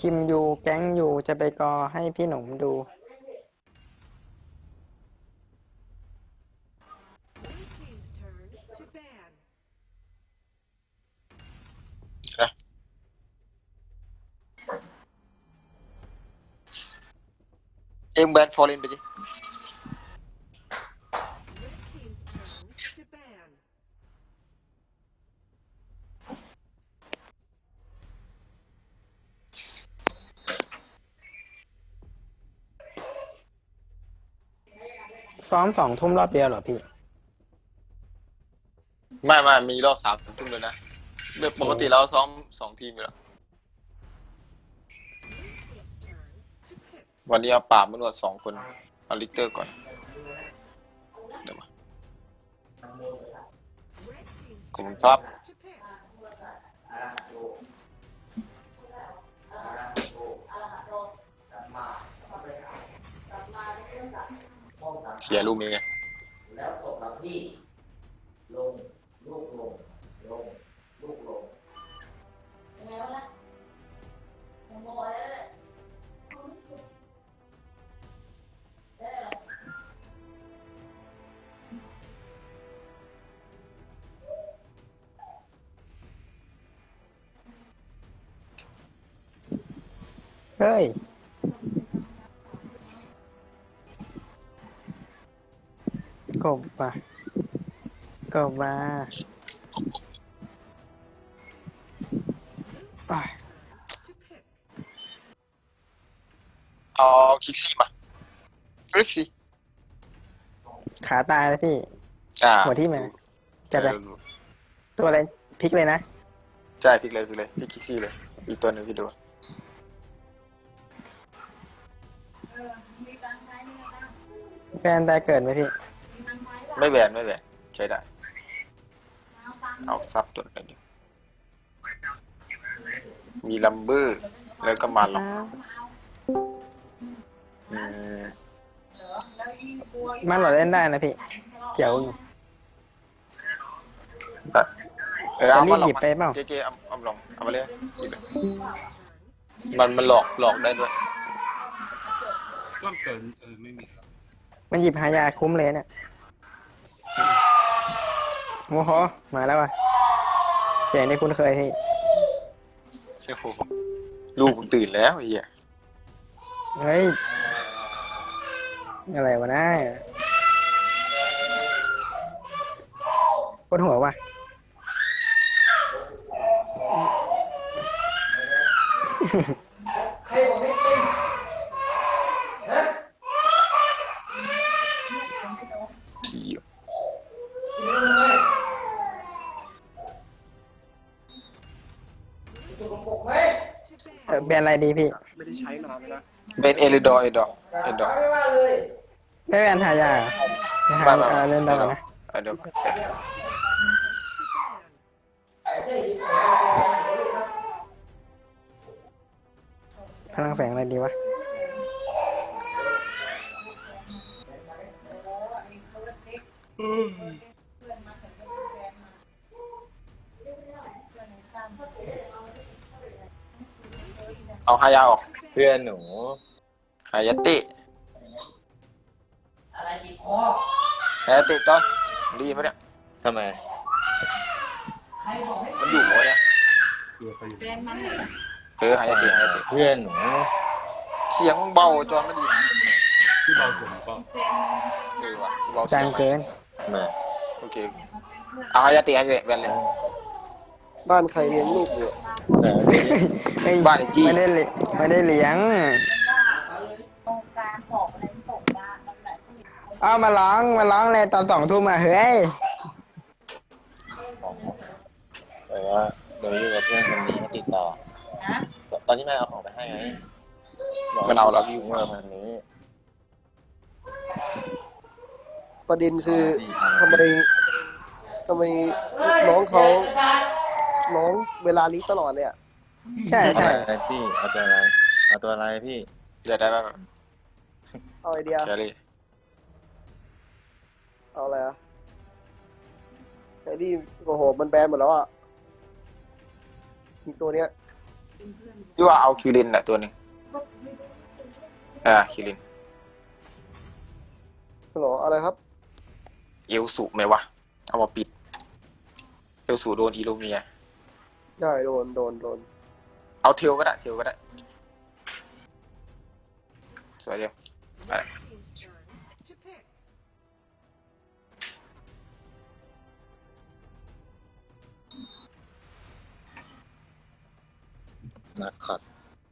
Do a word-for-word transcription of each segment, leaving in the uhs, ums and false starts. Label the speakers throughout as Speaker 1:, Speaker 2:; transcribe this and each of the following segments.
Speaker 1: คิมอยู่แก๊งอยู่จะไปกอให้พี่หนุ่มดู
Speaker 2: Blue team's turn to ban.
Speaker 3: นะเอ็มแบนฟอร์เรนไปดิ
Speaker 2: Red team's turn to ban.
Speaker 1: ซ้อมสองทุ่มรอบเดียวเหรอพี่
Speaker 3: ไม่ไม่มีรอบสามทุ่มเลยนะเมื่อปกติเราซ้อมสองทีมอยู่แล้ว
Speaker 2: Blue team's turn to pick.
Speaker 3: วันนี้เอาป่าบมานวดสองคนเอาลิกเตอร์ก่อนเดี๋ยวมา
Speaker 2: Red team's
Speaker 3: ขอบคุณ
Speaker 2: turn
Speaker 3: ครับ
Speaker 2: to pick.
Speaker 3: เสียลูกนี้ไง
Speaker 4: แล้วตกมาที่ลงลูกลงลงลูกลงยังไงวะล่ะโมโหเลยได้เหรอ
Speaker 1: เฮ้ย กบป่ะกบมาอ่ะ
Speaker 2: To pick.
Speaker 3: เอาคิกซี่มาฟลิกซี่
Speaker 1: ขาตายแล้วพี่
Speaker 3: อ่า
Speaker 1: หัวที่มาจัดไป ตัวอะไรพลิกเลยนะ
Speaker 3: ใช่พลิกเลยพลิกเลยพลิกคิกซี่เลยอีกตัวหนึ่งพี่ดู
Speaker 1: แฟนตายเกิดไหมพี่
Speaker 3: ไม่แหวนไม่แหวนใช้ได้เอาซับตัวไหนดิมีลัมเบอร์แล้วก็มาหลอกอืม
Speaker 1: มันหลอดเล่นได้นะพี่เจ๋วอยู่
Speaker 3: แบบเออเอามาหลอก
Speaker 1: จะรีบหยิบไปเปล่า
Speaker 3: เจเจเอาเอาลองเอามาเลยหยิบเลยมันมันหลอกหลอกได้ด้วย
Speaker 5: ก็เกินเออไม่มีครับ
Speaker 1: มันหยิบหายาคุ้มเลยเนี่ยโอ้โหมาแล้วว่ะ เสียงที่คุณเคยพี่
Speaker 3: โอ้โหลูกมึงตื่นแล้วไอ้เหี้ย
Speaker 1: เฮ้ย อะไรวะนะปวดหัวว่ะ
Speaker 4: ใครบอกไม่เป็นฮะ
Speaker 3: ที
Speaker 4: กินเลยตัวกระปุกไหม
Speaker 2: To
Speaker 1: เออ
Speaker 2: ban.
Speaker 1: แบรนด์อะไรดีพี่
Speaker 5: ไม่ได้ใช้นานแล้วนะ
Speaker 3: เป็นเอริดอร์เอดอร์เอดอร์
Speaker 4: ไม่ว่าเลย
Speaker 1: ไม่แบรนด์หายาเหรอหา
Speaker 3: ไม่ไม่
Speaker 1: เออเล่นได้
Speaker 3: เอดอ
Speaker 1: ก่อน
Speaker 3: ร์
Speaker 1: นะ
Speaker 3: เอดอร์
Speaker 2: To ban.
Speaker 4: ไม่ใช่หยิบของ
Speaker 1: พลังแฝงอะไรดีวะ
Speaker 3: เอาฮายาออก
Speaker 6: เพื่อนหนู
Speaker 3: ฮายาเตะ
Speaker 4: อะไรติดคอ
Speaker 3: ฮายาเตะจอนดีไหมเนี่ย
Speaker 6: ทำไม
Speaker 4: ใครบอกให้
Speaker 3: มันอยู่หัวเนี่ย
Speaker 5: เกือบไปอยู่
Speaker 3: เออฮายาเตะฮายาเตะ
Speaker 6: เพื่อนหนู
Speaker 3: เสียงเบาจอนไม่ดี
Speaker 5: ที่เบาสุดก็
Speaker 3: เออว่ะเบาเสี
Speaker 1: จาย
Speaker 3: ง
Speaker 1: ง
Speaker 3: ไหม
Speaker 1: เกิน
Speaker 6: ทำไม
Speaker 3: โอเคเอาฮายาเตะฮายาเตะแบนเลย
Speaker 7: บ้านใครเลี้ยงลูกอยู่
Speaker 6: แต่
Speaker 1: เฮ้ย
Speaker 3: บ้านไอ้จี้
Speaker 1: ไม่ได้เลี้ยไม่ได้เลี้ยง
Speaker 8: ตรงกลางของอะไรตกได้นั่นแหละ
Speaker 1: เอามาร้องมาร้องเลยตอนสองทุ่มมาเฮ้ย
Speaker 6: แต่ว่าเราอยู่กับเพื่อนคนนี้มาติดต่อ
Speaker 8: นะ
Speaker 6: ตอนที่แม่เอาของไปให้ไง
Speaker 3: มันเอาเราอยู่
Speaker 6: เมื่
Speaker 3: มา
Speaker 6: อวันนี้
Speaker 7: ประเด็นคือทำไมทำไมน้องเขาน้องเวลานี้ตลอดเลยอ่ะ
Speaker 1: ใช่
Speaker 6: เอา
Speaker 1: ใช่
Speaker 6: อะไรพี่เอาตัวอะไรเอาตัวอะไรพี่
Speaker 3: จะได้ไหม
Speaker 7: เอาไอเดีย
Speaker 3: แครี่
Speaker 7: เอาอะไรอ่ะไอ้นี่โอ้โหมันแบนหมดแล้วอ่ะอีกตัวเนี้ย
Speaker 3: พี่ว่าเอาคิรินน่ะตัวหนึ่งอ่าคิริน
Speaker 7: ฮัลโหลอะไรครับ
Speaker 3: เอลสุไหมวะเอามาปิดเอลสุโดนอีโลเมีย
Speaker 7: ได้โดนโดนโดน
Speaker 3: เอาเทลก็ได้เทลก็ได้สวยเดียว
Speaker 2: Red team's turn to pick.
Speaker 6: นักคัส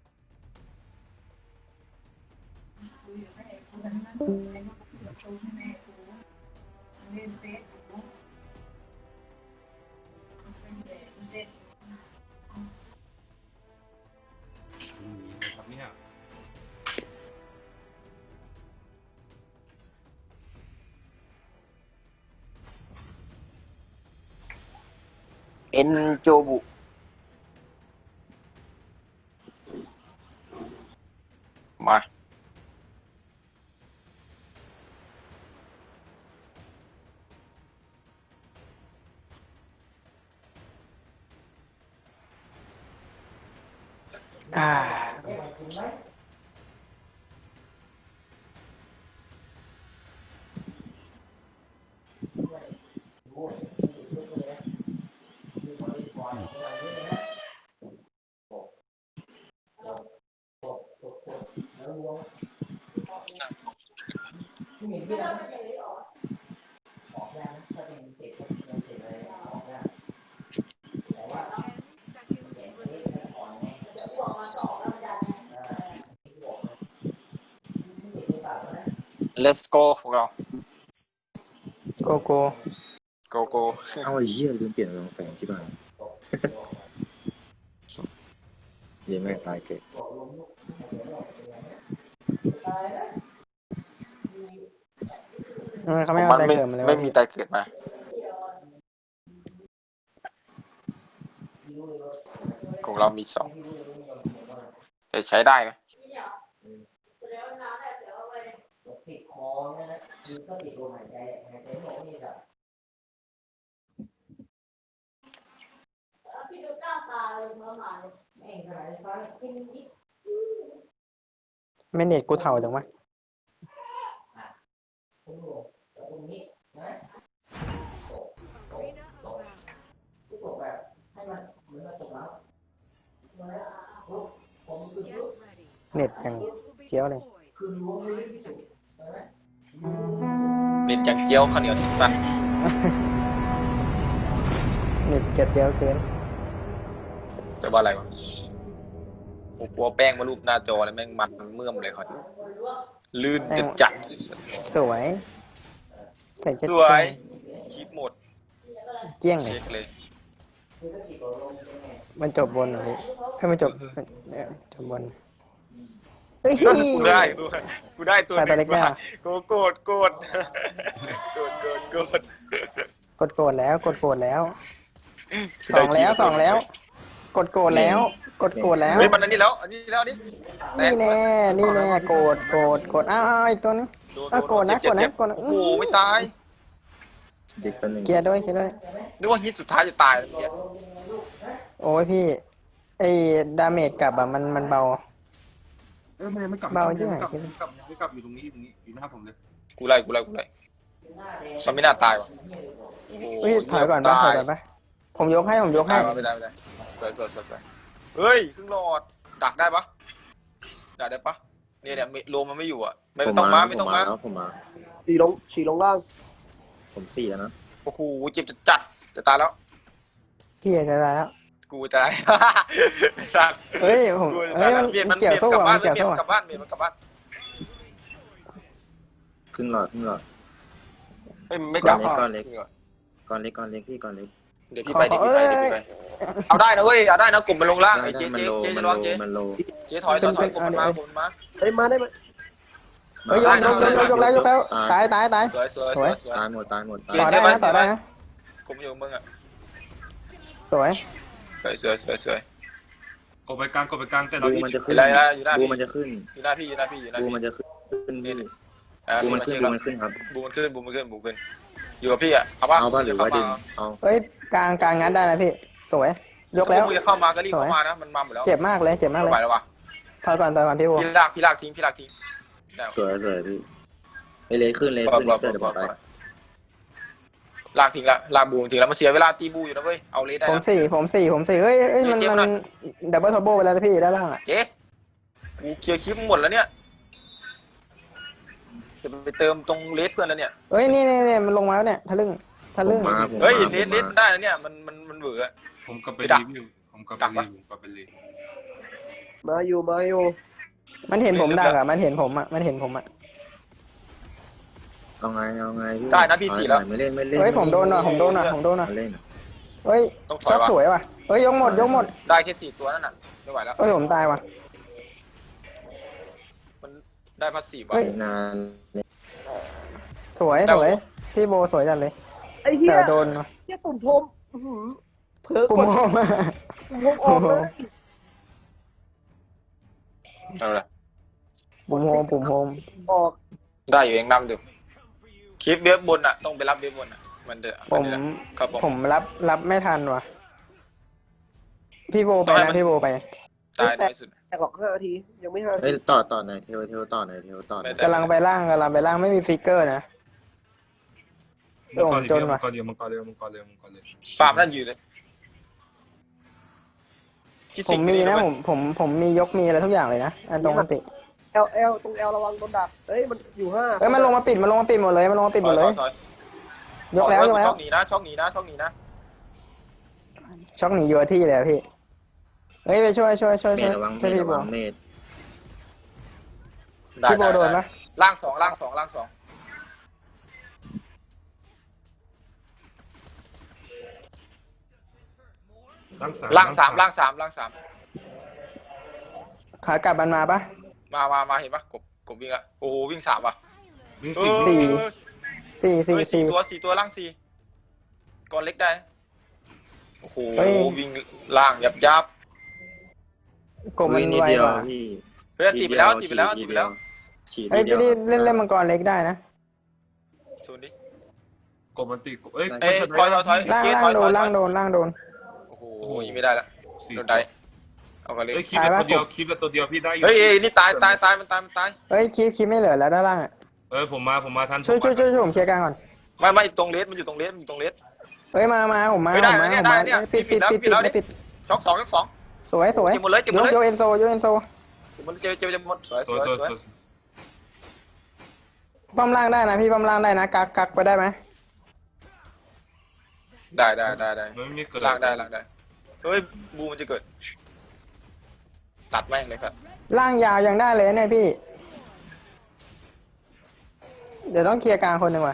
Speaker 5: มีนะครับเนี่ย
Speaker 3: เอ็นโจบุมา
Speaker 1: อ่า
Speaker 2: Ten seconds remaining.
Speaker 3: เลสโกพวกเรา
Speaker 1: โกโก้
Speaker 3: โกโก
Speaker 6: เอาไอ้เหี้ยลืมเปลี่ยนรองแสงที่บ้านเยังไม่ตายเกิด
Speaker 1: ทำไมเขา
Speaker 3: ข
Speaker 1: ไม่
Speaker 3: อง
Speaker 1: เอา
Speaker 3: มัน
Speaker 1: อะไร
Speaker 3: ไม่
Speaker 1: เกิดมาเลยวะ
Speaker 3: ไม่มีตายเกิดมาของเรามีสองแต่ใช้ได้นะ
Speaker 4: ติดคอเนี่ยนะคือก็ติดลมหายใจหายใจไม่ออกนี่แบบพี่ดูก้าวตาเลยมาหมาเลยแม่งขนาดนี้ฟ้าเนี่ยจิ้มนิด
Speaker 1: ไม่เน็ตกูเถ่าจังวะ
Speaker 4: ตรงหัวตรงนี้นะ
Speaker 2: Arena of battle.
Speaker 4: ที่ตกแบบให้มันเหมือนมันตกแล้วมาแล้วปุ๊บผมคือ
Speaker 2: Get
Speaker 4: ปุ๊บ
Speaker 2: ready.
Speaker 1: เน็ตยัง
Speaker 2: Minions will be
Speaker 1: เจียวเลย
Speaker 2: deployed.
Speaker 4: คือรู้ว่าไม่ได้
Speaker 2: Five
Speaker 4: สุด
Speaker 2: seconds.
Speaker 4: ใช่ไหม
Speaker 3: เล่นจังเจียวข้าวเหนียวสั้น
Speaker 1: เน็ตกระเจียวเกิน
Speaker 3: แปลว่าอะไรวะโอ้กลัวแป้งมารูปหน้าจอเลยแม่งมันเมื่อมเลยเขาลื่นจัดจัด
Speaker 1: สวยใส่เจ็ด
Speaker 3: สวยคลิปหมด
Speaker 1: เจี้ยงเลย
Speaker 3: เช็คเลย
Speaker 1: มันจบบนเหรอพี่ถ้ามันจบมันเอ่อจบบนเฮ้ย
Speaker 3: กูได้กูได้กูได้ตัวห
Speaker 1: ไปตัว
Speaker 3: นึ่
Speaker 1: เล็
Speaker 3: ง
Speaker 1: กได้
Speaker 3: มา
Speaker 1: เหรอ
Speaker 3: กูโกรธโกรธโกรธโกรธโกรธ
Speaker 1: กดโกรธแล้วกดโกรธแล้วสองแล้วสองแล้ว กดโกรธแล้ว กดโกรธแล้ว
Speaker 3: เฮ้ยมันอันนี้แล้วอันนี้แล้วอันนี้
Speaker 1: นี่แน่นี่แน่โกรธโกรธโกรธอ้าวอ้าวอีกตัวนึง
Speaker 3: โดน
Speaker 1: อ้าวโกรธนะ
Speaker 3: เจ็บ
Speaker 1: โกรธนะ
Speaker 3: เจ็บ
Speaker 1: โกรธนะ
Speaker 3: โอ้โหไม่ตาย
Speaker 6: เด็กคนหนึ่ง
Speaker 1: เกียร์ด้วยเกียร์ด้วย
Speaker 3: นึกว่าฮิตสุดท้ายจะตายแล้วเนี่ย
Speaker 1: โอ้ยพี่ไอ้ดาเมจกลับอ่ะมันมันเบา
Speaker 5: เออไม่ไม่กลับ
Speaker 1: เบา
Speaker 5: ไม่
Speaker 1: ใช่ไหม
Speaker 5: กลับไม่กลับไม่กลับอยู่ตรงนี้อยู่ตรงนี้อยู่หน้าผมเลย
Speaker 3: กูไล่กูไล่กูไล่มันไม่น่าตายวะโอ้โห
Speaker 1: เฮ้ยถอยก่อนปะถอยก่อนปะผมยกให้ผมยกให้
Speaker 3: ตายไม่ได้ไม่ได้สวยสวยสวยสวยเฮ้ยครึ่งหลอดดักได้ปะดักได้ปะเนี่ยเนี่ยโลมันไม่อยู่อ่ะไม่ต้องมาไม่ต้องมา
Speaker 6: แล้วผมมา
Speaker 7: ฉีลงฉีลงล่าง
Speaker 6: ผมสี่แล้วนะ
Speaker 3: โอ้โหเจ็บจะจัดจะตายแล้ว
Speaker 1: พี่จะตายแล้ว
Speaker 3: กูจะตายสัตว์
Speaker 1: เฮ้ยผม
Speaker 3: กูจะ
Speaker 1: เฮ้
Speaker 3: ตาย ย
Speaker 1: มัน
Speaker 3: เปลี่ยนมัน
Speaker 1: เกี่ยว
Speaker 3: เปลี่ยน
Speaker 1: สู้
Speaker 3: กลับ
Speaker 1: อ่ะ
Speaker 3: บ้า
Speaker 1: มัน นเกี่ยว
Speaker 3: เปลี่ย
Speaker 1: สู้
Speaker 3: น
Speaker 1: อ่ะ
Speaker 3: กลับบ้านเปลี่ยนมันกลับบ้าน
Speaker 6: ขึ้นหลอดขึ้นหลอด
Speaker 3: เฮ้ยมันไม่กลับ
Speaker 6: ก้อนเล็กก้อนเล็กก้อนเล็กพี่ก้อนเล็ก
Speaker 3: เดี๋ยวพี่ไปเดี๋ยวพี่ไปเดี๋ยวพี่ไปเอาได้นะเว้ยเอาได้นะกลุ่มมันลงล่างไอ้เจ๊
Speaker 6: มัน
Speaker 3: เจ๊
Speaker 6: โล
Speaker 3: เจ๊
Speaker 6: มั
Speaker 3: จะ
Speaker 6: น
Speaker 3: ร้
Speaker 6: โล
Speaker 3: องเจ๊
Speaker 6: มันโล
Speaker 3: เจ๊ถอยถอยถอยกลุ่มมันมากลุ่มมันมา
Speaker 7: เฮ้ยมาได้ไหม
Speaker 1: เฮ้ยยกยกยกยกยกแล้วยกแล้วตายตายตาย
Speaker 3: สวยสวยสวยสวย
Speaker 6: ตายหมดตายหมดตาย
Speaker 1: ต่อได้นะต่อได้นะ
Speaker 3: กลุ่มอยู่มึงอ่ะ
Speaker 1: สวย
Speaker 3: สวยสวยสวยสวย
Speaker 5: กดไปกลางกดไปกลางแต่เรา
Speaker 6: บู
Speaker 5: อี
Speaker 6: มันจะขึ้น
Speaker 3: อะไรนะอยู่หน้า
Speaker 6: บู
Speaker 3: พี่
Speaker 6: มันจะขึ้น
Speaker 3: อยู่หน้าพี่อยู่หน้าพี่อยู่หน้า
Speaker 6: บู
Speaker 3: พี่
Speaker 6: มันจะขึ้นขึ้นพี่
Speaker 3: อ่า
Speaker 6: บู
Speaker 3: พี่
Speaker 6: มัน
Speaker 3: มา
Speaker 6: ขึ้น
Speaker 3: เช็ค
Speaker 6: บู
Speaker 3: แล้ว
Speaker 6: มันขึ้นครับ
Speaker 3: บูมันขึ้นบูมันขึ้นบูมันขึ้นอยู่กับพี่อ่ะเอาป่ะ
Speaker 6: เอาป่ะหรือว่าดึงเอา
Speaker 1: เฮ้ยกลางกลางงัดได้นะพี่สวยยกแล้ว
Speaker 3: ถ้ามึงจะเข้ามาก็รีบเข้ามานะมันมาหมดแล้ว
Speaker 1: เจ็บมากเลยเจ็บมากเล
Speaker 3: ไม่
Speaker 1: ย
Speaker 3: ไหวแล้ววะ
Speaker 1: ถอยก่อนถอยก่อนพี่โบ
Speaker 3: พี่ลากพี่ลากทิ้งพี่ลากทิ้งได้
Speaker 6: สวยสวยพี่ไปเลนขึ้นเลน
Speaker 3: ปล่อย
Speaker 6: ขึ้น
Speaker 3: ปล่อย
Speaker 6: เตอร์เดี๋ยว
Speaker 3: ป
Speaker 6: บ
Speaker 3: ล่
Speaker 6: อ
Speaker 3: อก ย
Speaker 6: ไป
Speaker 3: ลากทิ้งละลากบูทิ้งแล้วมันเสียเวลาตีบูอยู่นะเว้ยเอาเลสได้
Speaker 1: ผม
Speaker 3: นะ
Speaker 1: สี่ผมสี่ผมสี่เฮ้ยเฮ้ยมัน
Speaker 3: เจ็บ
Speaker 1: มัน
Speaker 3: หน่อย
Speaker 1: ดับเบิลทอร์โบไปแล้วนะพี่ด้านล่างอ่ะ
Speaker 3: เจ๊กูเคลียร์คลิปหมดแล้วเนี่ยจะไปเติมตรงเลสเพื่อนแล้วเนี่ย
Speaker 1: เฮ้ยนี่นี่นี่มันลงมาแล้วเนี่ยทะลึ่งทะลึ่ง
Speaker 6: ผมมาผม
Speaker 3: เฮ้ย
Speaker 6: มา
Speaker 3: เลส
Speaker 6: ผม
Speaker 3: เลส
Speaker 6: มา
Speaker 3: ได้แล้วเนี่ยมันมันมันเบื่อ
Speaker 5: ผมกลับไป
Speaker 3: ไปดัก
Speaker 5: รีวิวผมกลับ
Speaker 3: ดั
Speaker 5: ไป
Speaker 3: ก
Speaker 5: รี
Speaker 3: ปะ
Speaker 5: วิวกลับไปรีวิว
Speaker 7: มาอยู่มาอยู่
Speaker 1: มันเห็นผมดักอ่ะมันเห็นผมอ่ะมันเห็นผมอ่ะ
Speaker 6: เอาไงเอาไงพี่
Speaker 3: ได้นะพี่สี่แล้ว
Speaker 6: ไม่เล่นไม่เล่น
Speaker 1: เฮ้ยผมโดนอ่ะผมโดนอ่ะผมโดนอ่ะ
Speaker 6: ไม่เล่นอะ
Speaker 1: เฮ้ย
Speaker 3: ต้องถอ
Speaker 1: ช็
Speaker 3: ย
Speaker 1: อต
Speaker 3: ว่ะ
Speaker 1: สวยว่ะเฮ้ยยกหมดยกหมด
Speaker 3: ได้แค่สี่ตัวนั่นน่ะไม่ไหวแล้ว
Speaker 1: เฮ้ยผมตายว่ะ
Speaker 3: มันได้พัสซีฟว่ะ
Speaker 1: เฮ้ย
Speaker 6: นาน
Speaker 1: สวย
Speaker 3: ได้
Speaker 1: สวย
Speaker 3: โอ้
Speaker 1: พี่โบสวยจังเลย
Speaker 7: ไอ้เหี้ย
Speaker 1: แต่โดนว่ะ
Speaker 7: เหี้ยตุ่มพรมอื้อหือเผลอก
Speaker 1: ปุ่
Speaker 7: ด
Speaker 1: มโฮม
Speaker 7: ตุ่มพรมออกเลย
Speaker 3: เอาละ
Speaker 1: ปุ่มโฮมปุ่มโฮม
Speaker 7: ออก
Speaker 3: ได้อยู่เองนำอยู่คลิปเว็บบนอ่ะต้องไปรับเว็บบนอ่ะมันเดือด
Speaker 1: ผม
Speaker 3: ครับผม
Speaker 1: ผมรับรับไม่ทันว่ะพี่โบไป
Speaker 3: ต้องให้
Speaker 1: นะ
Speaker 3: มัน
Speaker 1: พี่โบไป
Speaker 3: ตายน้อยสุด
Speaker 7: แตกหรอกห้านาทียังไม่ห้านา
Speaker 6: เฮ้ย
Speaker 7: ที
Speaker 6: ต่อต่อหน่อยเทวเทวต่อหน่อยเทวต่อหน่อย
Speaker 3: ไม่
Speaker 1: กำลังไปล่างกำลังไปล่างไม่มีฟิกเกอร์นะ
Speaker 5: มังกร
Speaker 1: จน
Speaker 5: เดียว
Speaker 1: ว่ะ
Speaker 5: มังกรเดียวมังกรเดียวมังกรเดียวมังกรเดียว
Speaker 3: ปาล์มนั่นอยู่เลยพี่
Speaker 1: ผ
Speaker 3: สิง
Speaker 1: ม
Speaker 3: ห์
Speaker 1: มีนะ
Speaker 3: ด้วย
Speaker 1: ผมผมผมมียกมีอะไรทุกอย่างเลยนะอันตรงอันติ
Speaker 7: เอลเอลตรงเอลระวังโดนดักเอ้ยมันอยู่ห้า
Speaker 1: เอ้ยมันลงมาปิดมันลงมาปิดหมดเลยมันลงมาปิดหมดเลย
Speaker 3: ถอย
Speaker 1: ยกแล้วยกแล้ว
Speaker 3: ช่องหนีนะช่องหนีนะช่องหนีนะ
Speaker 1: ช็อกหนีอยู่กับที่เลยอะพี่เฮ้ยไปช่วยช่วยช่วย
Speaker 6: เม
Speaker 1: ช่วย
Speaker 6: ดระวังเม
Speaker 1: ช่วย
Speaker 6: ด
Speaker 1: พี่
Speaker 6: ระ
Speaker 1: โบ
Speaker 6: วังเมด
Speaker 3: ได้
Speaker 1: พี่โบ
Speaker 3: ได้
Speaker 1: โดน
Speaker 3: ได้
Speaker 1: ปะ
Speaker 3: ล่างสองล่างสองล่างสอง
Speaker 5: ล่างสาม
Speaker 3: ล่างสามล่างสามล่างสาม
Speaker 1: ขากลับมันมาปะ
Speaker 3: มามามาเห็นปะกบกบวิ่งละโอ้โหวิ่งสามว่ะ
Speaker 5: วิ่ง
Speaker 3: เอ
Speaker 5: สี่
Speaker 3: อ
Speaker 1: สี่ สี่
Speaker 3: เฮ้
Speaker 1: สี่
Speaker 3: ย
Speaker 1: สี่
Speaker 3: ตัวสี่ตัวล่างสี่ก่อนเล็กได้นะโอ้โห
Speaker 1: เฮ้ย
Speaker 3: วิ่งล่างยับยับ
Speaker 1: กบมัน
Speaker 6: วิ่งนิด
Speaker 1: ไว
Speaker 6: เดียว
Speaker 1: กว่า
Speaker 6: พี่
Speaker 3: เฮ้ยตีไปแล้วตีไปแล้วตี
Speaker 6: ที
Speaker 3: ไป
Speaker 6: เดี
Speaker 3: แล้
Speaker 6: ยว วฉีด
Speaker 1: เฮ้ย
Speaker 6: ที
Speaker 1: พี่
Speaker 6: เดียว
Speaker 1: นี่เล่นเล่นมังกรเล็กได้นะ
Speaker 3: ศูนย์ดิ
Speaker 5: กบมันตีกบเอ้ย
Speaker 3: เอ้ยถอยถอยถอย
Speaker 1: ล่าง
Speaker 3: เจ๊ถ
Speaker 1: ล่า
Speaker 3: อง ย
Speaker 1: โด
Speaker 3: ถอน ย
Speaker 1: ล่างโดนล่างโดน
Speaker 3: โอ้โหยิงไม่ได้ละ
Speaker 5: สี่
Speaker 3: โดนได้เอากันเลย
Speaker 5: เอ้ยคลิปละตัวเดียวคลิปละตัวเดียวพี่ได้อยู่
Speaker 3: เฮ้ยเอ้ยนี่ตายตายตายมันตายมันตาย
Speaker 1: เฮ้ยคีบคีบไม่เหลือแล้วด้านล่างอ่ะ
Speaker 5: เออผมมาผมมาทัน
Speaker 1: ช่วย
Speaker 5: ผม
Speaker 1: ช่วย
Speaker 5: มา
Speaker 1: ช่วยช่วยผมเคลียร์กลางก่อน
Speaker 3: ไม่ไม่ตรงเลสมันอยู่ตรงเลสมันอยู่ตรงเลส
Speaker 1: เฮ้ยมามาผมมา
Speaker 3: เฮ้
Speaker 1: ผ
Speaker 3: ย
Speaker 1: ม
Speaker 3: ได้
Speaker 1: มา
Speaker 3: เนี่ย
Speaker 1: ผมมา
Speaker 3: ได้เนี่ย
Speaker 1: ปิดปิด
Speaker 3: ปิ
Speaker 1: ปิ
Speaker 3: ด
Speaker 1: ด
Speaker 3: แล้ว
Speaker 1: ปิด
Speaker 3: ปิดแล้ว
Speaker 1: ปิด
Speaker 3: ช็อกสองช็อกสอง
Speaker 1: สวยสวย
Speaker 3: เก็บหมดเลยเก็บหม
Speaker 1: ย
Speaker 3: ด
Speaker 1: ก
Speaker 3: เลย
Speaker 1: ยกเอ็นโซยกเอ็นโซ
Speaker 3: มันเจอเจอจะหมดสวยส
Speaker 5: ตัว
Speaker 3: วย
Speaker 5: ตัว
Speaker 3: สวย
Speaker 5: ตัว
Speaker 1: ป้อมล่างได้นะพี่ป้อมล่างได้นะกักกักไปได้ไหม
Speaker 3: ได้ได้ได้ได้
Speaker 5: มันไม่มีเกิด
Speaker 3: ล่างได้ล่างได้เฮ้ยบูมันจะเกิด ตัดแม่งเลยครับ
Speaker 1: ล่างยาวยังได้เลยเนี่ยพี่ เดี๋ยวต้องเคลียร์กลางคนหนึ่งว่ะ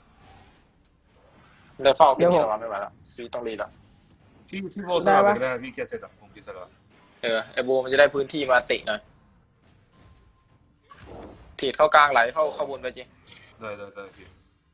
Speaker 3: ได้เฝ้า
Speaker 1: เดี๋
Speaker 3: พี่
Speaker 1: ยวผม
Speaker 3: นี่ระวังไม่ไหวแล้วซีต้องรีแล้ว
Speaker 5: พี่พี่โบสลับไปก็ได้พี่เกียร์เสร็จอะผมเกียร์เสร็จแล้ว
Speaker 3: เออไอบูมันจะได้พื้นที่มาเตะหน่อยถีดเข้ากลางไหลเข้าเข้าบนไปจริง
Speaker 5: ได้ได้ได้พี่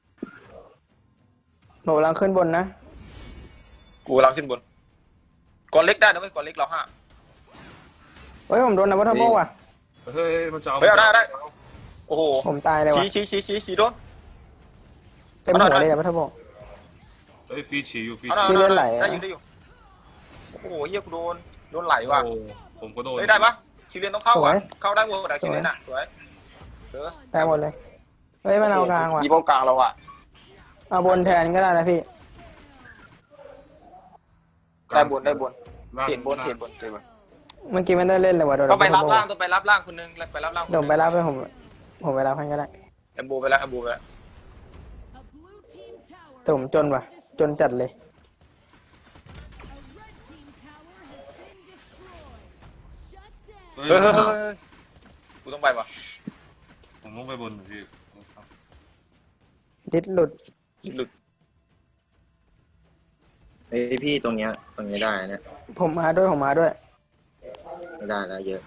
Speaker 1: หนูกำลังขึ้นบนนะ
Speaker 3: กูกำลังขึ้นบนก่อนเล็กได้นะเว้ยก่อนเล็กเราห้า
Speaker 1: เฮ้ยผมโดนนะวัตถุโบว่ะ
Speaker 5: เฮ้ยมันจะเอา
Speaker 3: เฮ้ยเอาได้เอาได้โอ้โห
Speaker 1: ผมตายเลยว่ะ
Speaker 3: ชี้ชี้ชี้ชี้ชี้โดน
Speaker 1: เต็มหัวเลยอะวัตถุโบ
Speaker 5: เฮ้ยฟีฉีอยู่ฟี
Speaker 3: เอาหน่อย
Speaker 1: ที่
Speaker 3: เอา
Speaker 1: เลือดไหล
Speaker 3: ได้
Speaker 1: อะ
Speaker 3: อยู่ได้อยู่โอ้โหเฮียกูโดนโดนไหลว่ะ
Speaker 5: โอ้ผมก็โดน
Speaker 3: เฮ้ยได้ปะคิวเรียนต้องเข้าว่ะเข้าได้หมดอะคิวเรียนอะสวยเออ
Speaker 1: ตายหมดเลย เฮ้ยมันเอากลางว่ะ
Speaker 3: ยีโปกลางเราอ่ะ
Speaker 1: เอาบนแทนก็ได้นะพี่
Speaker 3: ได้บนได้บน
Speaker 5: ล่าง
Speaker 3: เทียนบนเทียนบนเทียนบน
Speaker 1: เมื่อกี้มันได้เล่นเลยว่ะโดน
Speaker 3: ต้องไปรับ
Speaker 1: วัตถุโ
Speaker 3: ล่างต้องไปรับล่างคนนึงไปรับล่างคน
Speaker 1: เดี๋ยวผม
Speaker 3: นึง
Speaker 1: ไปรับไปผม ผมไปรับให้ก็ได้
Speaker 3: แอมบูไปแล้วแอมบูไปแล้ว
Speaker 1: แต่ผมจนว่ะ จนจัดเลย
Speaker 5: เฮ้ย
Speaker 3: เฮ้ยเฮ้ยเฮ้ยเฮ้ยกูต้องไปว่ะ
Speaker 5: ผมต้องไปบนพี่
Speaker 1: ดิสหลุด
Speaker 3: หลุด
Speaker 6: เฮ้ยพี่ตรงเนี้ยตรงเนี้ยได้เนี่ย
Speaker 1: ผมมาด้วยผมมาด้วย
Speaker 6: ไม่ได้แล้วเยอะ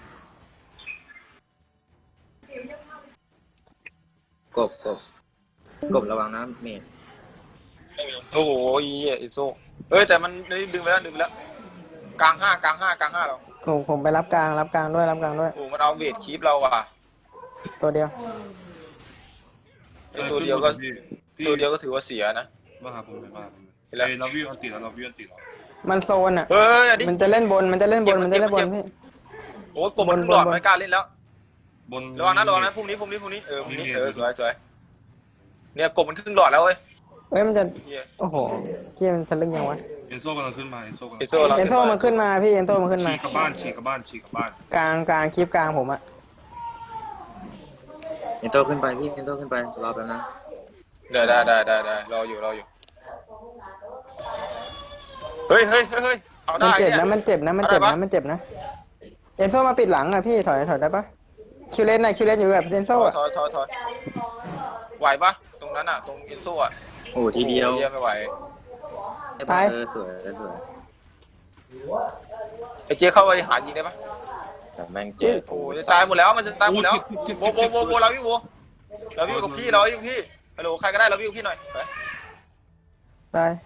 Speaker 6: กบกบกบระวังนะเมด
Speaker 3: โอ้โหอีไอโซ่เอ้ยแต่มันดึงไปแล้วดึงไปแล้วกลางห้ากลางห้ากลางห้าเรา
Speaker 1: ผมผมไปรับกลางรับกลางด้วยรับกลางด้วย
Speaker 3: โอ้มันเอาเวทคีปเราอ่ะ
Speaker 1: ตัวเดียว
Speaker 3: ไอตัวเดียวก็ตัวเดียวก็ถือว่าเสียนะ
Speaker 5: มาหาผมเลยมาหาผมเลย
Speaker 3: เห็นแล้ว
Speaker 5: เฮ้ยเราวิ่งอันติดแล้วเราวิ่งอันติดแล้ว
Speaker 1: มันโซนอ่ะ
Speaker 3: เฮ้ยอันนี้
Speaker 1: มันจะเล่นบนมันจะเล่นบนมันจะเล่นบนพี่
Speaker 3: โอ้ยกบมันขึ้นหลอด
Speaker 1: บนบน
Speaker 3: ไม่กล้าเล่นแล้ว
Speaker 5: บน
Speaker 3: ระวังนะระวังนะพรุ่งนี้พรุ่งนี้พรุ่งนี้เออพรุ่งนี้
Speaker 5: นี่
Speaker 3: เออสวยสวยเนี่ยกบมันขึ้นหลอดแล้วเว้ย
Speaker 1: เอ้ยมันจะ
Speaker 3: เหี้ย
Speaker 1: โอ้โหเกี้ยมันทะลึ่งยังวะ
Speaker 5: เอนโซ่กำลังขึ้นมาเอนโซ่กำลัง
Speaker 3: เอโซ่เรา
Speaker 1: เอ็นโซมันขึ้นมาพี่เอ็นโซมันขึ้นมา
Speaker 5: ฉีกกลับบ้านฉีกกลับบ้านฉีกกลับบ้าน
Speaker 1: กลางกลางคลิปกลางผมอะ
Speaker 6: เอนโตขึ้นไปพี่เอนโตขึ้นไปรอแป๊บนะ
Speaker 3: ได้ได้ได้ได้ได้รออยู่รออยู่เฮ้ยเฮ้ยเฮ้ยเฮ้ยเอา
Speaker 1: มัน
Speaker 3: ได้
Speaker 1: เจ็บ
Speaker 3: เนี่ย
Speaker 1: นะมันเจ็บนะมันเจ็บ
Speaker 3: เอาได้
Speaker 1: นะ
Speaker 3: ปะ
Speaker 1: มันเจ็บนะเอ็นโซมาปิดหลังอะพี่ถอยถอยได้ปะคิวเลนน่ะคิวเลนอยู่กับเอ็นโซ
Speaker 3: ถอย
Speaker 1: อะ
Speaker 3: ถอยถอยถอยไหวปะตรงนั้นอ่ะตรงเอนโซ่อ่ะ
Speaker 6: โอ้ทีเดียว
Speaker 3: เยี่ยไม่ไหว
Speaker 1: ตาย
Speaker 6: เออสวยสวย
Speaker 3: ไอ้เจ๊เข้าไปหายิงได้ปะ
Speaker 6: แต่แม่งเจ็บ
Speaker 3: โอ้ยจะตายหมดแล้วมันจะตายหมดแล้วโบโบโบโบเราวิวโบเราวิวกับพี่เราวิวกับพี่ฮัลโหลใครก็ได้เราวิวกับพี่หน่อยไป
Speaker 1: ตาย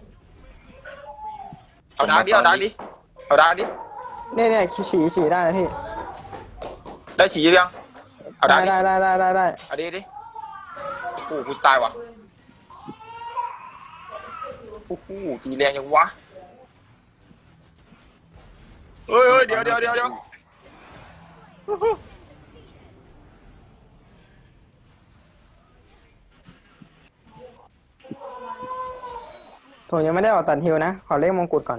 Speaker 3: เอาดาร์กดิเอาดาร์กดิเอาดาร์กดิ
Speaker 1: เนี่ยเนี่ยคิวฉี่ฉี่ได้นะพี่
Speaker 3: ได้ฉี่ยังเอาดา
Speaker 1: ได้
Speaker 3: ร์กดิ
Speaker 1: ได้ได้ได้ได้ได้
Speaker 3: เอาดิดิโอ้โหกูตายว่ะโอ้โหตีแรงยังวะเฮ้ยเฮ้ยเดี๋ยวเดี๋ยวเดี๋ยวเดี๋ยว
Speaker 1: ผมยังไม่ได้ออกตัดฮิวนะขอเลขมงกุฎก่อน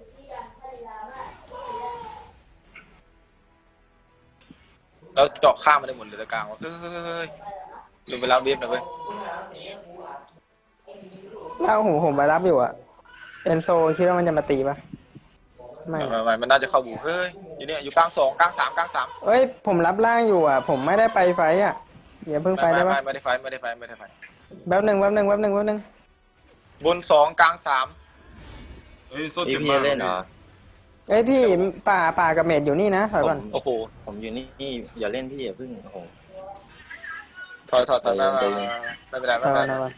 Speaker 3: แล้วเจาะข้ามมาได้หมดเลยตะกลางวะเฮ้ยเฮ้ยเฮ้ยดูเวลาเวฟหน่อยเว้ย
Speaker 1: แล้วผมผมไปรับอยู่อะเอ็นโซคิดว่ามันจะมาตีปะไม่
Speaker 3: ไม่ไม่มันน่าจะเข้าบูเฮ้ยอยู่เนี่ยอยู่กลางสองกลางสามกลางสาม
Speaker 1: เอ้ยผมรับล่างอยู่อะผมไม่ได้ไปไฟต์อะอย่าเพิ่งไป
Speaker 3: ไม่
Speaker 1: ได้
Speaker 3: ไม่
Speaker 1: ปะ
Speaker 3: ไม่ได้ไฟไม่ได้ไฟไม่ได้ไฟ
Speaker 1: แป๊บหนึ่งแป๊บหนึ่งแป๊บหนึ่งแป๊บหนึ่ง
Speaker 3: บนสองกลางสาม
Speaker 5: เฮ้ยโซ่
Speaker 6: พี่
Speaker 5: เจ็บ
Speaker 6: พี่
Speaker 5: มาก
Speaker 6: เล่นเหรอ
Speaker 1: เอ้ยพี่ป่าป่ากับเมดอยู่นี่นะถอย
Speaker 6: ผ
Speaker 1: ก่อน
Speaker 6: มโอ้โหผมอยู่นี่นี่อย่าเล่นพี่อย่าพึ่งโอ้โห
Speaker 3: ถอยถอยถอยไม่
Speaker 6: ใจ
Speaker 3: ไม่
Speaker 6: เย็น
Speaker 3: ไม่เป็นไร
Speaker 1: ถ
Speaker 3: ไม่
Speaker 1: อย
Speaker 3: เป็น
Speaker 1: ก่อนถอย
Speaker 3: ไร
Speaker 1: ก่อน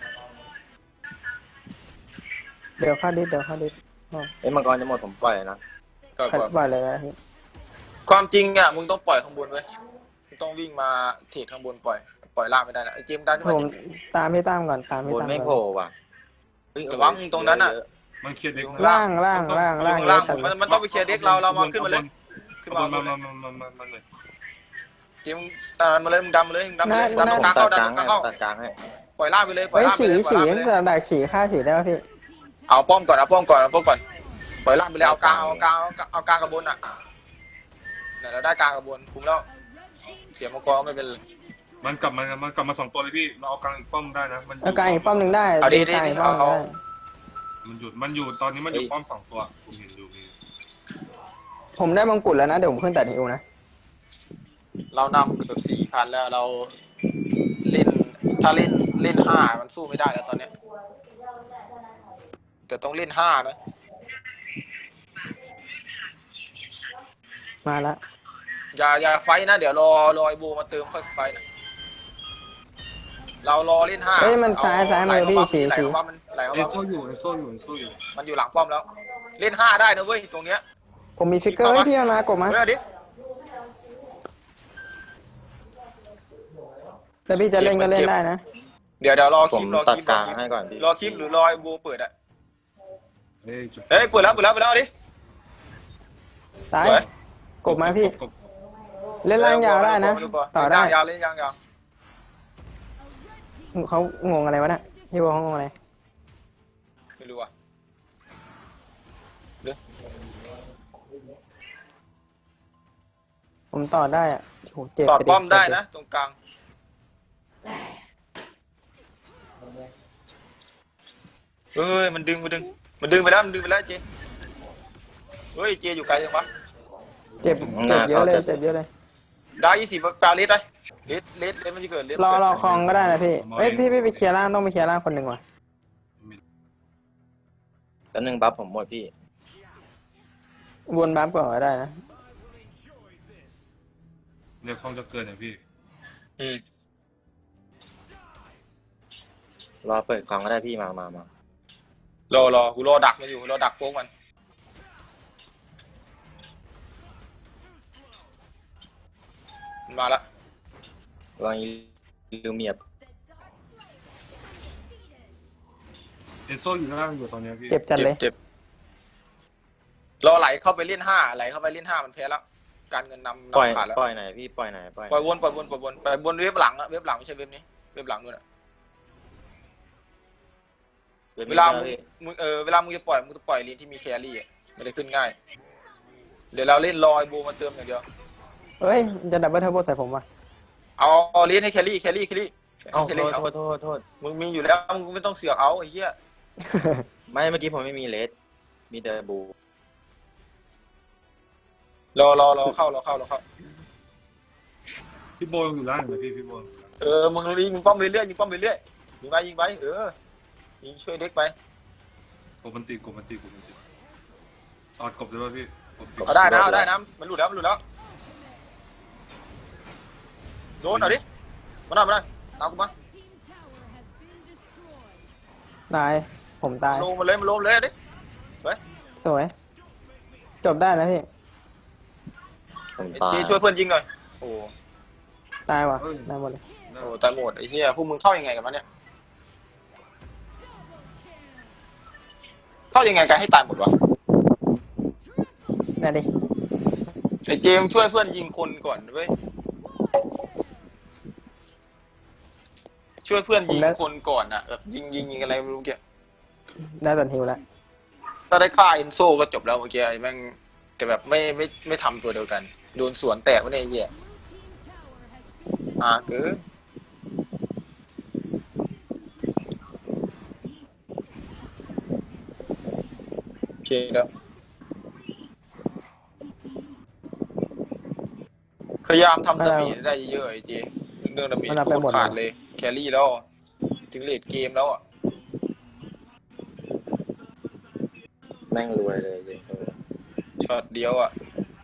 Speaker 1: เดี๋ยวเข้าดิสเดี๋ยวเข้าดิสอ๋อ
Speaker 6: เอ้ยมังกรจะหมดผมปล่อยนะ
Speaker 3: ก็
Speaker 1: ขัด
Speaker 3: ก็
Speaker 1: บ่อยเลยนะพี่
Speaker 3: ความจริงอ่ะมึงต้องปล่อยข้างบนเว้ยมึงต้องวิ่งมาเทรดข้างบนปล่อยปล่อยล่างไม่ได้นะไอ้เจมส์ดันที่
Speaker 1: ผ
Speaker 3: มัน
Speaker 1: มตามพี่ตามก่อนตามพี่
Speaker 6: บน
Speaker 1: ตาม
Speaker 6: ไม่
Speaker 1: ก่
Speaker 6: โผล่
Speaker 1: อน
Speaker 6: ว่ะเฮ้ย
Speaker 3: ระวังตรงนั้นอ่ะ
Speaker 5: มันเคลียร์เด็ก
Speaker 1: ล่างล่างล่างล่าง
Speaker 3: ข้าง
Speaker 1: เย
Speaker 3: ล่า
Speaker 1: อะ
Speaker 3: ง
Speaker 1: จัด
Speaker 3: มันมันต้องไปเคลียร์เด็กเราเรามาขึ้นมาเลยขึ้น
Speaker 5: มา
Speaker 3: มา
Speaker 5: มา
Speaker 3: ขึ้น
Speaker 5: มา
Speaker 3: มา
Speaker 5: มามามาเลย
Speaker 3: เจมส์ดันมาเลยมึงดันมาเลยมึงดันมาเลยดันตรงกลาง
Speaker 6: ตั
Speaker 3: เข้า
Speaker 6: ด
Speaker 3: ดัน
Speaker 6: กลาง
Speaker 3: ตรงก
Speaker 6: ให้
Speaker 3: ลางเข้า
Speaker 6: ตัดกลางให้
Speaker 3: ปล่อยล่างไปเลยปล่อย
Speaker 1: เอ้ย
Speaker 3: ล่างไป
Speaker 1: ฉี
Speaker 3: เลยปล่อย
Speaker 1: ฉี
Speaker 3: ล่างไปเลย
Speaker 1: ดักฉีฆ่าฉีได้ปะพี่
Speaker 3: เอาป้อมก่อนเอาป้อมก่อนเอาป้อมก่อนปล่อยล่างไปเลยเอากลางเอากลางเอากลางกับบนอ่ะเนี่ยเราได้กลางกับบนคุ้มแล้วเสียมังกรไม่เป็นไร
Speaker 5: มันกลับมามันกลับมาสองตัวเลยพี่เราเอากลางอีกป้อมได้นะมัน
Speaker 1: เอากลางอีกป้อมหนึ่งได้
Speaker 3: เอาดิ
Speaker 1: กลางอีกป้อมหนึ่ง
Speaker 3: เอา
Speaker 1: ได้
Speaker 5: มันหยุดมันอยู่ตอนนี้มันอยู่ป้อมสองตัวผมเห็นอยู่พี่
Speaker 1: ผมได้มงกุฎแล้วนะเดี๋ยวผมขึ้นตัดฮิวนะ
Speaker 3: เรานำเกือบสี่พันแล้วเราเล่นถ้าเล่นเล่นห้ามันสู้ไม่ได้แล้วตอนเนี้ยแต่ต้องเล่นห้านะ
Speaker 1: มาละ
Speaker 3: อย่าอย่าไฟท์นะเดี๋ยวรอรอไอโบมาเติมค่อยไฟท์นะเรารอเล่นห้า
Speaker 1: เอ้ยมันซ้ายซ้ายมือพี่ฉี
Speaker 3: ไหล
Speaker 1: ฉี
Speaker 3: เข้ามามันไหลเข้า
Speaker 5: เอน
Speaker 3: มา
Speaker 5: โซ่อยู่เอนโซ่อยู่เอนโซ่อยู่
Speaker 3: มันอยู่หลังป้อมแล้ว เล่นห้าได้นะเว้ยตรงเนี้ย
Speaker 1: ผมมีฟิกเกอร์เฮ้ยพี่มันมากดมา
Speaker 3: เฮ้ยเอาดิ
Speaker 1: แต่พี่จะเล่นก็เล่นได้นะ
Speaker 3: เดี๋ยวเดี๋ยวรอ
Speaker 6: ผ
Speaker 3: คลิ
Speaker 6: ม
Speaker 3: ปรอ
Speaker 6: ตั
Speaker 3: ค
Speaker 6: ด
Speaker 3: ลิป
Speaker 6: กลางให้ก่อนพี่
Speaker 3: รอคลิปหรือรอไอโบเปิดอะ
Speaker 5: เฮ้ยจุด
Speaker 3: เฮ้ยเปิดแล้วเปิดแล้วเปิดแล้วเอาดิ
Speaker 1: ตาย
Speaker 3: สวย
Speaker 1: กดมาพี่ เล่นล่างยาวได้นะ ต่อได้
Speaker 3: เล่นยาวเล่นยาว
Speaker 1: เขางงอะไรวะเนี่ยพี่วอลเขางงอะไร
Speaker 3: ไม่รู้อ่ะ
Speaker 1: ผมต่อได้อ่ะโหเจ็บ
Speaker 3: ตอด
Speaker 1: ปดิ
Speaker 3: ป้อมได้
Speaker 1: เจ็บ
Speaker 3: นะตรงกลางเฮ้ยมันดึงมันดึงมันดึงไปแล้วมันดึงไปแล้วเจเฮ้ยเจอยู่ไกลจังวะ
Speaker 1: เจ็บเจ็บเยอะเลยเจ็บเยอะเลย
Speaker 3: ได้ยี่สิบตาเลสได้เลสเลสเลสมันจะเกิดเลส
Speaker 1: รอรอคลองก็ได้นะพี่เอ้ยพี่พี่ไปเคลียร์ล่างต้องไปเคลียร์ล่างคนหนึ่งว่ะ
Speaker 6: แล้วหนึ่งบัฟผมหมดพี่
Speaker 1: วนบัฟก่อนก็ได้นะ
Speaker 5: เดี๋ยวคลองจะเกิดเนี่ยพี่
Speaker 3: อืม
Speaker 6: รอเปิดกล่องก็ได้พี่มามามาร
Speaker 3: อรอกูรอดักมันอยู่รอดักโป๊กมันมันมาละ
Speaker 6: ลองลูเมียบ
Speaker 5: เอนโซ่อยู่ล่างอยู่ตอนเนี้ยพี่
Speaker 1: เจ็บจัดเลย
Speaker 3: เจ็บรอไหลเข้าไปเล่นห้าไหลเข้าไปเล่นห้ามันแพ้แล้วการเงินนำ
Speaker 6: ปล่อย
Speaker 3: นำขาดแล้ว
Speaker 6: ปล่อยไหนพี่ปล่อยไหนปล่อยไหน
Speaker 3: ปล่อยวนปล่อยวนปล่อยวนไปบนเว็บหลังอะเว็บหลังไม่ใช่เว็บนี้เว็บหลังด้วยนะ
Speaker 6: เว
Speaker 3: เวลา
Speaker 6: ลา
Speaker 3: มึง
Speaker 6: พี่
Speaker 3: มึงเออเวลามึงจะปล่อยมึงจะปล่อยลีนที่มีแครี่อะไม่ได้ขึ้นง่ายเดี๋ยวเราเล่นลอยบูมาเติมอย่างเดียว
Speaker 1: เฮ้ยจะดับเบิลเทอร์โบใส่ผมว่ะ
Speaker 3: เอาเอาลีนให้แครี่แครี่แครี่
Speaker 6: เอ้า
Speaker 3: ให้แค
Speaker 6: โท
Speaker 3: รี่
Speaker 6: ษ
Speaker 3: เอา
Speaker 6: โทษโทษโทษ
Speaker 3: มึงมีอยู่แล้วมึงไม่ต้องเสือกเอาไอ้เหี้ย
Speaker 6: ไม่เมื่อกี้ผมไม่มีเลสมีแต่บู
Speaker 3: รอรอรอเข้ารอเข้ารอเข้า
Speaker 5: พี่โบอยู่ล่างเลยพี่พี่โบ
Speaker 3: เออมึงยิงป้อมไปเรื่อยยิงป้อมไปเรื่อยยิงไปยิงไปเออยิงช่วยเด็กไป
Speaker 5: กบมันตีกบมันตีกบมันตีตอดกบด้วยพี่กบตี
Speaker 3: เอาได้นะเอาได้นะมันหลุดแล้วมันหลุดแล้วโดนเอาดิมาหน่อยมาหน่อยตามกูมา
Speaker 1: ตายผมตาย
Speaker 3: ลงมาเลยมาลงเลยดิ
Speaker 1: สวย จบได้นะพี่
Speaker 6: ผม
Speaker 3: ไอ้
Speaker 6: ตาย
Speaker 3: จีช่วยเพื่อนยิงหน่อยโอ้
Speaker 1: ตายว่ะได้หมดเลย
Speaker 3: โหตายหมดไอ้เหี้ยพวกมึงเข้ายังไงกันวะเนี่ยเข้ายังไงกันให้ตายหมดวะ
Speaker 1: ได้ดิ
Speaker 3: ไอ้เจมส์ช่วยเพื่อนยิงคนก่อนเว้ยช่วยเพื่อนยิงคนก่อนอะแบบยิงยิงยิงอะไรไม่รู้เกี่ย
Speaker 1: ได้ตันฮิวแล้ว
Speaker 3: ถ้าได้ฆ่าเอนโซก็จบแล้วเมื่อกี้ไอ้แม่งแต่แบบไม่ไม่ไม่ทำตัวเดียวกันโดนสวนแตกวะเนี่ยไอ้เหี้ยอ่าเกินโอเคแล้วพยายามทำดาเมจได้เยอะๆไอ้เจเรื่องดาเมจโคตรขาดเลยแครี่แล้วถึงเลดเกมแล้วอ่ะ
Speaker 6: แม่งรวยเลยจริง
Speaker 3: ช็อตเดียวอ่ะ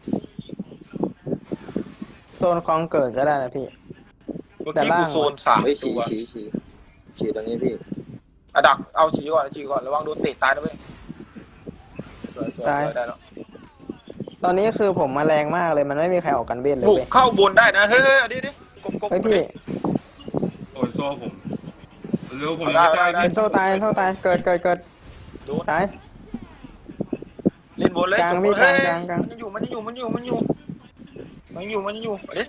Speaker 1: โซนคลองเกิดก็ได้นะพี่
Speaker 3: เมื่อ
Speaker 1: แต่
Speaker 3: กี้
Speaker 1: ล่าง
Speaker 3: กูโซนสาม
Speaker 6: ๆเฮ้ย
Speaker 3: ตั
Speaker 6: ฉี
Speaker 3: ว
Speaker 6: ฉีฉีฉีตรงนี้พี่
Speaker 3: อะดักเอาฉีก่อนฉีก่อนระวังโดนเตะตายนะเว้ยสวยสวย
Speaker 1: ตาย
Speaker 3: สวยได้แล้ว
Speaker 1: ตอนนี้คือผมมาแรงมากเลยมันไม่มีใครออกกันเบ็ดเลย
Speaker 3: บุก
Speaker 1: เว้ย
Speaker 3: เข้าบนได้นะเฮ้ยเฮ้ยอันนี้ดิกบกบ
Speaker 1: เฮ้ยพี่
Speaker 5: โอ้ยโซ่ผมเร็วผม
Speaker 3: ได้
Speaker 5: ยังไม่
Speaker 3: ได้
Speaker 5: ได้
Speaker 3: ได้
Speaker 1: เอ็นโซตายเอ็นโซตายเกิดเกิดเกิด
Speaker 3: โดน
Speaker 1: ตาย
Speaker 3: เล่นบนเลย
Speaker 1: กลาง
Speaker 3: จบ
Speaker 1: พี่
Speaker 3: เฮ้ย
Speaker 1: กลางกลาง
Speaker 3: มันยังอยู่มันยังอยู่มันยังอยู่มันยังอยู่มันยังอยู่มันยังอยู่เอาดิ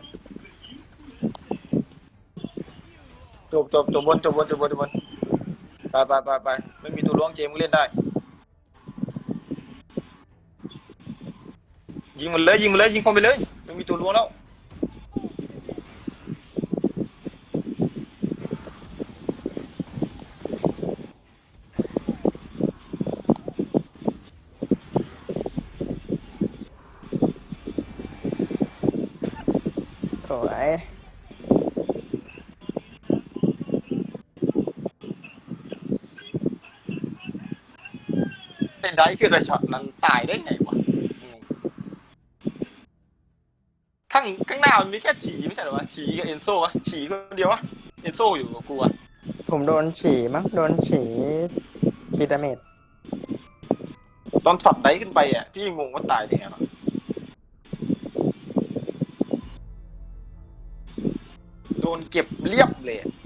Speaker 3: จบจบจบบนจบบนจบบนจบบนไปไปไปไปไม่มีตัวล้วงเจมมึงเล่นได้ยิงมันเลยยิงมันเลยยิงพอไปเลยไม่มีตัวล้วงแล้ว
Speaker 1: สวย
Speaker 3: ไอ้ได้คือไรช็อตนั้นตายได้ไงวะงงข้างข้างหน้ามันมีแค่ฉีไม่ใช่เหรอวะฉีกับเอนโซวะฉีคนเดียววะเอนโซอยู่กับกูอะ
Speaker 1: ผมโดนฉี่มั้งโดนฉี่พีดาเมจ
Speaker 3: ตอนช็อตได้ขึ้นไปอ่ะพี่งงว่าตายได้ไงวะโดนเก็บเรียบเลยอะ